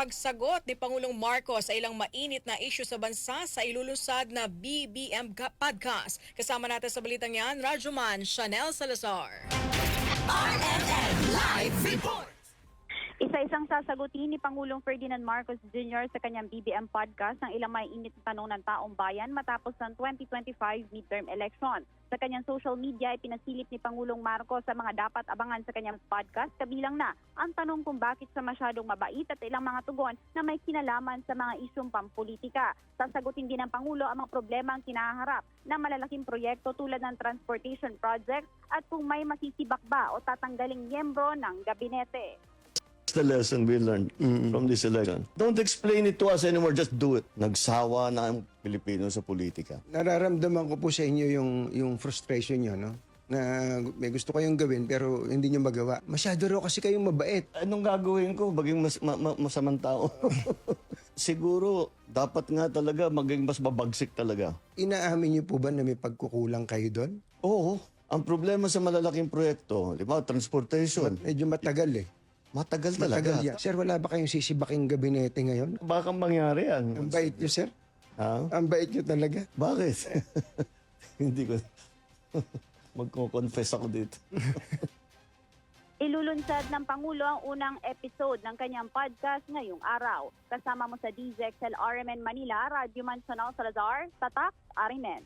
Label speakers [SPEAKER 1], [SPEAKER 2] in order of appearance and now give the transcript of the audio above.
[SPEAKER 1] pagsagot ni Pangulong Marcos sa ilang mainit na issue sa bansa sa ilulusad na BBM Podcast. Kasama natin sa balitang yan, Radyoman Chanel Salazar.
[SPEAKER 2] RNN Live Report!
[SPEAKER 3] Isa-isang sasagutin ni Pangulong Ferdinand Marcos Jr. sa kanyang BBM podcast ang ilang mainit na tanong ng taong bayan matapos ng 2025 midterm election. Sa kanyang social media, ipinasilip ni Pangulong Marcos sa mga dapat abangan sa kanyang podcast, kabilang na ang tanong kung bakit siya masyadong mabait at ilang mga tugon na may kinalaman sa mga isyong pampolitika. Sasagutin din ng Pangulo ang mga problema ang kinaharap ng malalaking proyekto tulad ng transportation project at kung may masisibak ba o tatanggaling miyembro ng gabinete.
[SPEAKER 4] The lesson we learned from this election. Don't explain it to us anymore, just do it. Nagsawa na ang Pilipino sa politika.
[SPEAKER 5] Nararamdaman ko po sa inyo yung frustration nyo, no? Na may gusto kayong gawin pero hindi nyo magawa. Masyado raw kasi kayong mabait.
[SPEAKER 4] Anong gagawin ko? Maging masamang tao. Siguro, dapat nga talaga maging mas mabagsik talaga.
[SPEAKER 5] Inaamin nyo po ba na may pagkukulang kayo doon?
[SPEAKER 4] Oo. Ang problema sa malalaking proyekto, di ba, transportation,
[SPEAKER 5] Medyo matagal eh.
[SPEAKER 4] matagal talaga.
[SPEAKER 5] Matagal yan. Sir, wala ba kayong sisibaking gabinete ngayon?
[SPEAKER 4] Baka mangyari yan.
[SPEAKER 5] Ang bait nyo, sir.
[SPEAKER 4] Ha?
[SPEAKER 5] Ang bait nyo talaga.
[SPEAKER 4] Bakit? Hindi ko... Magko-confess ako dito.
[SPEAKER 3] Ilulunsad ng Pangulo ang unang episode ng kanyang podcast ngayong araw. Kasama mo sa DZXL RMN Manila, Radyoman Chanel Salazar, Tatak, RMN.